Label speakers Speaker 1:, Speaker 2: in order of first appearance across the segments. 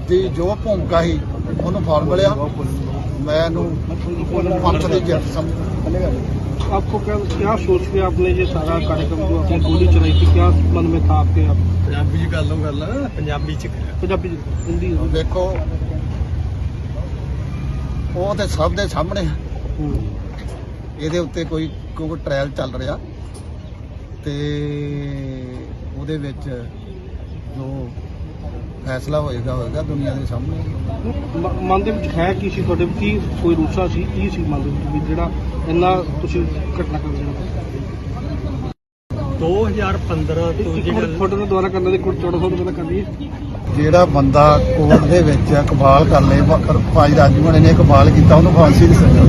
Speaker 1: ਦੀ ਜੋ ਭੂਮਿਕਾ ਸੀ ਉਹਨੂੰ ਫਲ ਮਿਲਿਆ। मैं पंथ की जित समझ।
Speaker 2: आपको क्या सोच के आपने ये सारा कार्यक्रम जो आपने गोली चलाई थी, क्या मन में था आपके? आप पंजाबी हिंदी
Speaker 1: देखो वो तो सब दे सामने ये उत्ते कोई ट्रायल चल रहा ते ਉਹਦੇ ਵਿੱਚ जो फैसला होएगा दुनिया के सामने।
Speaker 2: मन ਦੇ ਵਿੱਚ ਹੈ ਕੀ ਸੀ ਤੁਹਾਡੇ ਕੀ ਕੋਈ ਰੂਸਾ ਸੀ ਕੀ ਸੀ ਮਨ ਦੇ ਵਿੱਚ ਵੀ ਜਿਹੜਾ ਇੰਨਾ ਤੁਸੀਂ ਘਟਨਾ ਕਰ ਰਹੇ
Speaker 3: 2015 ਤੋਂ ਜਿਹੜਾ
Speaker 2: ਫੋਟੋ ਨੂੰ ਦੁਆਰਾ ਕਰਨ ਦੇ ਕੋਲ 1400 ਰੁਪਏ ਦਾ ਕਰਦੀ ਹੈ।
Speaker 1: ਜਿਹੜਾ ਬੰਦਾ ਕੋਰਟ ਦੇ ਵਿੱਚ ਇਕਬਾਲ ਕਰ ਲੇ ਭਾਈ ਰਾਜੂ ਮਣੇ ਨੇ ਇਕਬਾਲ ਕੀਤਾ ਉਹਨੂੰ ਫਾਂਸੀ ਦੀ ਸਜ਼ਾ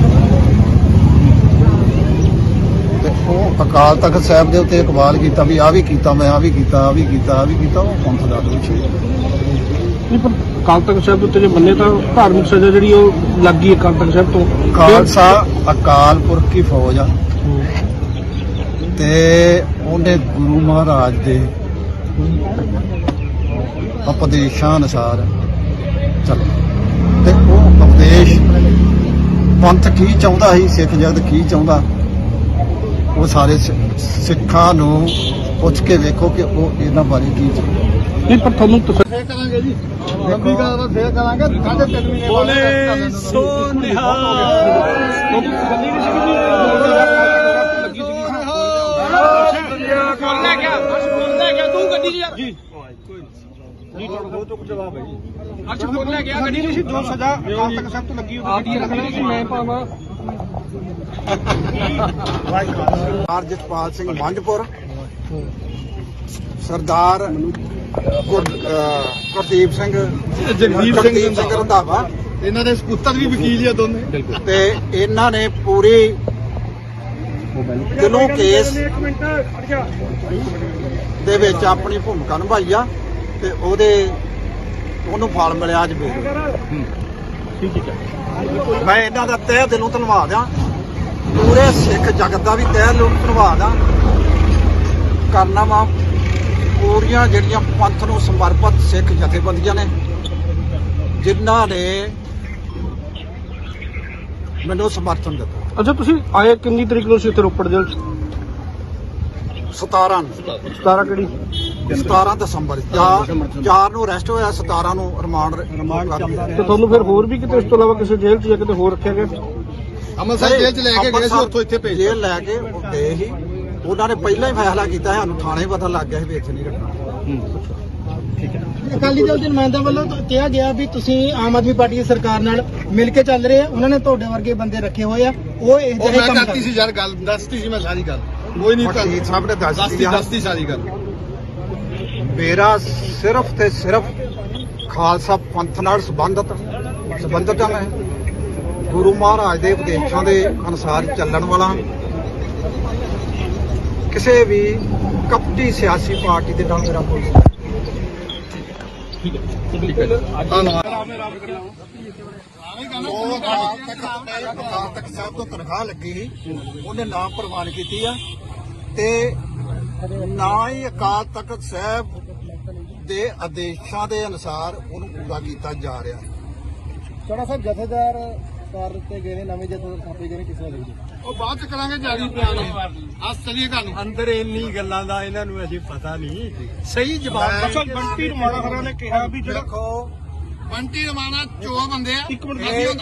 Speaker 1: ਤੇ ਉਹ ਅਕਾਲ ਤਖਤ ਸਾਹਿਬ ਦੇ ਉੱਤੇ ਇਕਬਾਲ ਕੀਤਾ ਵੀ ਆ ਵੀ ਕੀਤਾ ਮੈਂ ਆ ਵੀ ਕੀਤਾ ਉਹ ਪੰਥ ਦਾ ਦੋਸ਼ੀ
Speaker 2: ਨਹੀਂ ਪਰ ਅਕਾਲ ਤਖਤ ਸਾਹਿਬ ਦੇ ਉੱਤੇ ਜੇ ਮੰਨੇ ਤਾਂ ਧਾਰਮਿਕ ਸਜ਼ਾ ਜਿਹੜੀ ਉਹ ਲੱਗ ਗਈ ਅਕਾਲ ਤਖਤ ਸਾਹਿਬ ਤੋਂ।
Speaker 1: ਖਾਲਸਾ ਅਕਾਲ ਪੁਰਖ ਦੀ ਫੌਜ ਆ ਤੇ ਉਹਨੇ ਗੁਰੂ ਮਹਾਰਾਜ ਦੇ ਉਪਦੇਸ਼ਾਂ ਅਨੁਸਾਰ ਚੱਲ ਤੇ ਉਹ ਉਪਦੇਸ਼ ਪੰਥ ਕੀ ਚਾਹੁੰਦਾ ਸੀ, ਸਿੱਖ ਜਗਤ ਕੀ ਚਾਹੁੰਦਾ, ਉਹ ਸਾਰੇ ਸਿੱਖਾਂ ਨੂੰ ਪੁੱਛ ਕੇ ਵੇਖੋ ਕਿ ਉਹ ਇਹਨਾਂ ਬਾਰੇ ਕੀ ਚਾਹੁੰਦਾ।
Speaker 2: ਨਹੀਂ ਪਰ ਤੁਹਾਨੂੰ
Speaker 1: ਫੇਰ ਕਰਾਂਗੇ ਜੀ ਲੰਬੀ ਗੱਲ ਫੇਰ ਕਰਾਂਗੇ 3.5 ਮਹੀਨੇ
Speaker 3: ਬੋਲੇ ਸੋ ਨਿਹਾਲ।
Speaker 2: ਜਵਾਬ ਹੈ ਜੀ। ਅੱਛਾ ਬੋਲਿਆ ਗਿਆ ਗੱਡੀ ਨਹੀਂ ਸੀ ਜੋ ਸਜ਼ਾ ਅਕਾਲ ਤਖਤ ਸਾਹਿਬ ਤੋਂ ਲੱਗੀ ਉਹ ਗੱਡੀ ਰੱਖਣੀ ਸੀ ਮੈਂ ਪਾਵਾਂ।
Speaker 1: ਜਸਪਾਲ ਸਿੰਘ ਮੰਝਪੁਰ, ਸਰਦਾਰ ਗੁਰਦੀਪ ਸਿੰਘ
Speaker 2: ਜਗਦੀਪ
Speaker 1: ਸਿੰਘ ਰੰਧਾਵਾ,
Speaker 3: ਇਹਨਾਂ ਦੇ ਸਪੁੱਤਰ ਵੀ ਵਕੀਲ ਆ ਦੋਨੇ
Speaker 1: ਤੇ ਇਹਨਾਂ ਨੇ ਪੂਰੀ ਦਿਲੋਂ ਕੇਸ ਦੇ ਵਿੱਚ ਆਪਣੀ ਭੂਮਿਕਾ ਨਿਭਾਈ ਆ ਤੇ ਉਹਨੂੰ ਫਲ ਮਿਲਿਆ ਅੱਜ ਵੇਖ। ਮੈਂ ਇਹਨਾਂ ਦਾ ਤਹਿ ਦਿਲੋਂ ਧੰਨਵਾਦ ਆ, ਪੂਰੇ ਸਿੱਖ ਜਗਤ ਦਾ ਵੀ ਤਹਿ ਦਿਲੋਂ ਧੰਨਵਾਦ ਆ ਕਰਨਾ ਵਾ। ਪੂਰੀਆਂ ਜਿਹੜੀਆਂ ਪੰਥ ਨੂੰ ਸਮਰਪਿਤ ਸਿੱਖ ਜਥੇਬੰਦੀਆਂ ਨੇ ਜਿਨ੍ਹਾਂ ਨੇ ਮੈਨੂੰ ਸਮਰਥਨ ਦਿੱਤਾ।
Speaker 2: ਅੱਛਾ ਤੁਸੀਂ ਆਏ ਕਿੰਨੀ ਤਰੀਕ ਨੂੰ ਸੀ ਇੱਥੇ ਰੋਪੜ ਜੇਲ੍ਹ 'ਚ?
Speaker 1: 17
Speaker 2: ਕਿਹੜੀ
Speaker 1: 17 ਦਸੰਬਰ 4 ਨੂੰ ਅਰੈਸਟ ਹੋਇਆ, 17 ਨੂੰ ਰਿਮਾਂਡ
Speaker 2: ਤੇ ਤੁਹਾਨੂੰ ਫਿਰ ਹੋਰ ਵੀ ਕਿਤੇ ਇਸ ਤੋਂ ਇਲਾਵਾ ਕਿਸੇ ਜੇਲ੍ਹ 'ਚ ਜਾਂ ਕਿਤੇ ਹੋਰ ਰੱਖਿਆ ਗਿਆ?
Speaker 1: ਅੰਮ੍ਰਿਤਸਰ ਜੇਲ੍ਹ 'ਚ ਲੈ ਕੇ ਗਏ ਸੀ, ਉੱਥੋਂ ਇੱਥੇ ਭੇਜ ਜੇਲ੍ਹ ਲੈ ਕੇ ਗਏ ਸੀ। ਉਹਨਾਂ ਨੇ ਪਹਿਲਾਂ ਹੀ ਫੈਸਲਾ ਕੀਤਾ, ਸਾਨੂੰ ਥਾਣੇ ਪਤਾ ਲੱਗ ਗਿਆ ਸੀ ਵੀ ਇੱਥੇ ਨਹੀਂ ਰੱਖਣਾ।
Speaker 4: ਅਕਾਲੀ ਦਲ ਦੇ ਨੁਮਾਇੰਦਿਆਂ ਵੱਲੋਂ ਕਿਹਾ ਗਿਆ ਵੀ ਤੁਸੀਂ ਆਮ ਆਦਮੀ ਪਾਰਟੀ ਦੀ ਸਰਕਾਰ ਨਾਲ ਮਿਲ ਕੇ ਚੱਲ ਰਹੇ ਆ, ਉਹਨਾਂ ਨੇ ਤੁਹਾਡੇ ਵਰਗੇ ਬੰਦੇ ਰੱਖੇ ਹੋਏ ਆ, ਉਹ ਇਹ ਜਿਹੜੇ ਕੰਮ
Speaker 3: ਕਰਤੀ ਸੀ ਯਾਰ, ਗੱਲ ਦੱਸਤੀ ਸੀ ਮੈਂ ਸਾਰੀ ਗੱਲ, ਕੋਈ ਨਹੀਂ
Speaker 1: ਵਕੀਲ ਸਾਹਿਬ ਨੇ
Speaker 3: ਦੱਸਤੀ ਸਾਰੀ ਗੱਲ।
Speaker 1: ਮੇਰਾ ਸਿਰਫ ਤੇ ਸਿਰਫ ਖਾਲਸਾ ਪੰਥ ਨਾਲ ਸੰਬੰਧਤ ਹਾਂ। ਮੈਂ ਗੁਰੂ ਮਹਾਰਾਜ ਦੇ ਉਪਦੇਸ਼ਾਂ ਦੇ ਅਨੁਸਾਰ ਚੱਲਣ ਵਾਲਾ, ਕਿਸੇ ਵੀ ਕਪਟੀ ਸਿਆਸੀ ਪਾਰਟੀ ਦੇ ਨਾਲ ਮੇਰਾ ਕੋਈ ਅਕਾਲ ਤਖਤ ਸਾਹਿਬ ਤੋਂ ਤਨਖਾਹ ਲੱਗੀ ਸੀ, ਉਹਨੇ ਨਾ ਪ੍ਰਵਾਨ ਕੀਤੀ ਆ ਤੇ ਨਾ ਹੀ ਅਕਾਲ ਤਖਤ ਸਾਹਿਬ ਦੇ ਆਦੇਸ਼ਾਂ ਦੇ ਅਨੁਸਾਰ ਉਹਨੂੰ ਪੂਰਾ ਕੀਤਾ ਜਾ ਰਿਹਾ।
Speaker 4: ਚੋੜਾ ਸਾਹਿਬ ਜਥੇਦਾਰ ਕਰ ਦਿੱਤੇ ਗਏ ਨੇ, ਨਵੇਂ ਜਥੇਦਾਰ ਥਾਪੇ ਗਏ ਨੇ, ਕਿਸ ਤਰ੍ਹਾਂ ਦੇਖਦੇ?
Speaker 3: ਉਹ ਬਾਅਦ ਚ ਕਰਾਂਗੇ ਜਾਰੀ ਬਿਆਨ। ਅੱਜ ਚਲੀਏ ਤੁਹਾਨੂੰ ਅੰਦਰ ਇੰਨੀ ਗੱਲਾਂ ਦਾ ਇਹਨਾਂ ਨੂੰ ਅਜੇ ਪਤਾ ਨਹੀਂ ਸਹੀ ਜਵਾਬ।
Speaker 2: ਅੱਛਾ ਬੰਟੀ ਰਮਾਣਾ ਖਰਾ ਨੇ ਕਿਹਾ ਵੀ ਜਿਹੜਾ
Speaker 1: ਦੇਖੋ
Speaker 3: ਬੰਟੀ ਰਮਾਣਾ 14 ਬੰਦੇ ਆ।
Speaker 2: ਇੱਕ ਮਿੰਟ
Speaker 3: ਤੁਹਾਡੇ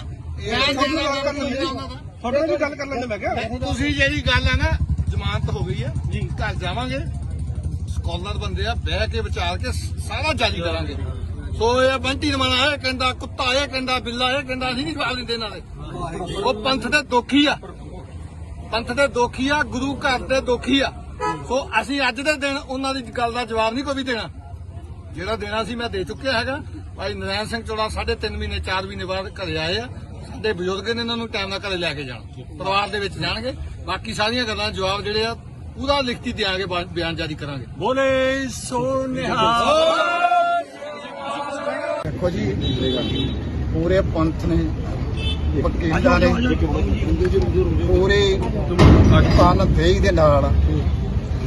Speaker 2: ਨਾਲ ਵੀ ਗੱਲ ਕਰ ਲੈਂਦੇ ਮੈਂ ਕਿਹਾ।
Speaker 3: ਤੁਸੀਂ ਜਿਹੜੀ ਗੱਲ ਹੈ ਨਾ ਜ਼ਮਾਨਤ ਹੋ ਗਈ ਹੈ ਜੀ, ਘਰ ਜਾਵਾਂਗੇ, ਸਕਾਲਰ ਬੰਦੇ ਆ, ਬਹਿ ਕੇ ਵਿਚਾਰ ਕੇ ਸਾਰਾ ਜਾਰੀ ਕਰਾਂਗੇ। ਸੋ ਇਹ ਬੰਟੀ ਰਮਾਣਾ ਇਹ ਕਹਿੰਦਾ, ਕੁੱਤਾ ਇਹ ਕਹਿੰਦਾ, ਬਿੱਲਾ ਇਹ ਕਹਿੰਦਾ, ਅਸੀਂ ਨਹੀਂ ਜਵਾਬ ਦਿੰਦੇ ਇਹਨਾਂ ਦੇ। ਉਹ ਪੰਥ ਦੇ ਦੋਖੀ ਆ, ਪੰਥ ਦੇ ਦੋਖੀ ਆ, ਗੁਰੂ ਘਰ ਦੇ ਦੋਖੀ ਆ। ਸੋ ਅਸੀਂ ਅੱਜ ਦੇ ਦਿਨ ਉਹਨਾਂ ਦੀ ਗੱਲ ਦਾ ਜਵਾਬ ਨਹੀਂ ਕੋਈ ਵੀ ਦੇਣਾ, ਜਿਹੜਾ ਦੇਣਾ ਸੀ ਮੈਂ ਦੇ ਚੁੱਕਿਆ ਹੈਗਾ। ਭਾਈ ਨਰੈਣ ਸਿੰਘ ਚੋੜਾ 3.5 ਮਹੀਨੇ 4 ਮਹੀਨੇ ਬਾਅਦ ਘਰੇ ਆਏ ਆ। ਸਾਡੇ ਬਜ਼ੁਰਗ ਨੇ ਇਹਨਾਂ ਨੂੰ ਟਾਈਮ ਨਾਲ ਘਰੇ ਲੈ ਕੇ ਜਾਣਾ, ਪਰਿਵਾਰ ਦੇ ਵਿੱਚ ਜਾਣਗੇ। ਬਾਕੀ ਸਾਰੀਆਂ ਗੱਲਾਂ ਜਵਾਬ ਜਿਹੜੇ ਆ ਪੂਰਾ ਲਿਖਤੀ ਦਿਆਂਗੇ, ਬਿਆਨ ਜਾਰੀ ਕਰਾਂਗੇ। ਬੋਲੇ ਸੋ ਨਿਹਾਲ।
Speaker 1: ਦੇਖੋ ਜੀ ਪੂਰੇ ਪੰਥ ਨੇ, ਵਕੀਲਾਂ ਨੇ, ਪੂਰੇ ਪਾਕਿਸਤਾਨ ਦੇਸ਼ ਦੇ ਨਾਲ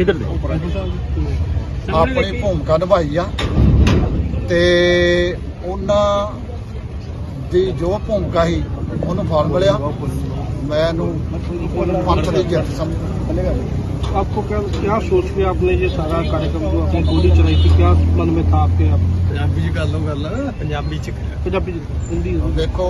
Speaker 1: ਆਪਣੀ ਭੂਮਿਕਾ ਨਿਭਾਈ ਆ ਤੇ ਉਹਨਾਂ ਦੀ ਜੋ ਭੂਮਿਕਾ ਸੀ ਉਹਨੂੰ ਫਲ ਮਿਲਿਆ। ਮੈਂ ਇਹਨੂੰ ਪੰਥ ਦੀ ਜਿੱਤ ਸਮਝ।
Speaker 2: आपको क्या सोच के आपने ये सारा कार्यक्रम जो आपने गोली चलाई थी, क्या मन में था आपके? आप
Speaker 3: ਪੰਜਾਬੀ ਚ ਗੱਲ ਪੰਜਾਬੀ ਚ
Speaker 2: पंजाबी हिंदी
Speaker 1: ਦੇਖੋ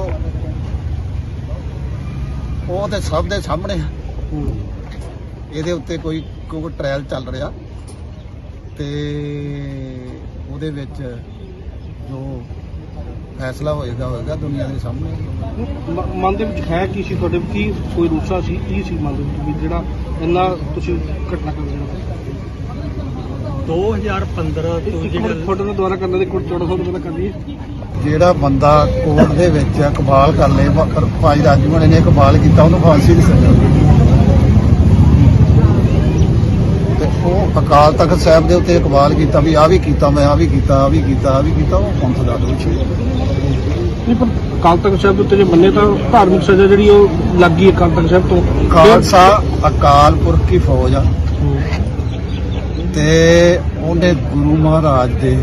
Speaker 1: ਉਹ ਤੇ ਸਭ ਦੇ ਸਾਹਮਣੇ ਆ। ਇਹਦੇ ਉੱਤੇ ਕੋਈ ਟ੍ਰਾਇਲ ਚੱਲ ਰਿਹਾ ਤੇ ਉਹਦੇ ਵਿੱਚ ਜੋ ਫੈਸਲਾ ਹੋਏਗਾ ਦੁਨੀਆ ਦੇ ਸਾਹਮਣੇ।
Speaker 2: ਮਨ ਦੇ ਵਿੱਚ ਹੈ ਕੀ ਸੀ ਤੁਹਾਡੇ, ਕੀ ਕੋਈ ਰੂਸਾ ਸੀ, ਕੀ ਸੀ ਮਨ ਦੇ ਵਿੱਚ ਵੀ ਜਿਹੜਾ ਇੰਨਾ ਤੁਸੀਂ ਘਟਨਾ ਕਰ ਰਹੇ
Speaker 5: 2015 ਤੋਂ ਜਿਹੜਾ
Speaker 2: ਫੋਟੋ ਨੂੰ ਦੁਬਾਰਾ ਕਰਨ ਦੇ ਕੋਲ 1400 ਕਰ ਲਈਏ।
Speaker 1: ਜਿਹੜਾ ਬੰਦਾ ਕੋਰਟ ਦੇ ਵਿੱਚ ਇਕਬਾਲ ਕਰ ਲੇ, ਭਾਈ ਰਾਜੂ ਨੇ ਇਕਬਾਲ ਕੀਤਾ, ਉਹਨੂੰ ਫਾਂਸੀ ਦੀ ਸਜ਼ਾ ਤੇ ਉਹ ਅਕਾਲ ਤਖਤ ਸਾਹਿਬ ਦੇ ਉੱਤੇ ਇਕਬਾਲ ਕੀਤਾ ਵੀ ਆਹ ਵੀ ਕੀਤਾ, ਮੈਂ ਆਹ ਵੀ ਕੀਤਾ, ਉਹ ਪੰਥ ਦਾ ਦੋਸ਼ੀ।
Speaker 2: ਨਹੀਂ ਪਰ ਅਕਾਲ ਤਖਤ ਸਾਹਿਬ ਦੇ ਉੱਤੇ ਜੇ ਮੰਨੇ ਤਾਂ ਧਾਰਮਿਕ ਸਜ਼ਾ ਜਿਹੜੀ ਉਹ ਲੱਗ ਗਈ ਅਕਾਲ ਤਖਤ ਸਾਹਿਬ ਤੋਂ।
Speaker 1: ਖਾਲਸਾ ਅਕਾਲ ਪੁਰਖ ਕੀ ਫੌਜ ਆ ਤੇ ਉਹਨੇ ਗੁਰੂ ਮਹਾਰਾਜ ਦੇ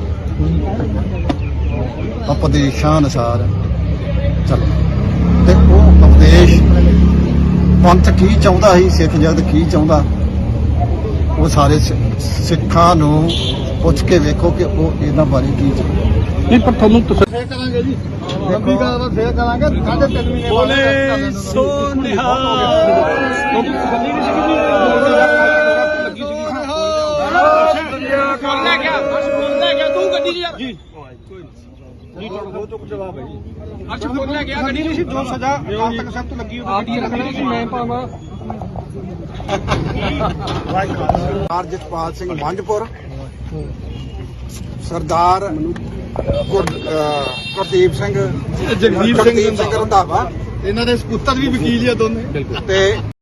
Speaker 1: ਉਪਦੇਸ਼ਾਂ ਅਨੁਸਾਰ ਚੱਲ ਤੇ ਉਹ ਉਪਦੇਸ਼ ਪੰਥ ਕੀ ਚਾਹੁੰਦਾ ਸੀ, ਸਿੱਖ ਜਗਤ ਕੀ ਚਾਹੁੰਦਾ, ਉਹ ਸਾਰੇ ਸਿੱਖਾਂ ਨੂੰ ਪੁੱਛ ਕੇ ਵੇਖੋ ਕਿ ਉਹ ਇਹਨਾਂ ਬਾਰੇ ਕੀ ਚਾਹੁੰਦਾ।
Speaker 2: ਨਹੀਂ ਪਰ ਤੁਹਾਨੂੰ
Speaker 1: ਫੇਰ ਕਰਾਂਗੇ ਜੀ, ਲੰਬੀ ਗੱਲ ਫੇਰ ਕਰਾਂਗੇ। 3.5 ਮਹੀਨੇ
Speaker 5: ਬੋਲੇ ਸੋ ਨਿਹਾਲ।
Speaker 2: ਜੋ ਸਜ਼ਾ ਅਕਾਲ ਤਖਤ ਸਾਹਿਬ ਤੋਂ ਲੱਗੀ ਉਹਦੀ ਰੱਖਣਾ ਸੀ, ਮੈਂ ਭਾਵਾਂ
Speaker 1: ਸਰਦਾਰ ਜਸਪਾਲ ਸਿੰਘ ਮੰਝਪੁਰ, ਸਰਦਾਰ ਗੁਰਦੀਪ ਸਿੰਘ, ਜਗਦੀਪ ਸਿੰਘ ਰੰਧਾਵਾ, ਇਹਨਾਂ ਦੇ ਸਪੁੱਤਰ ਵੀ ਵਕੀਲ ਆ ਦੋਨੇ ਤੇ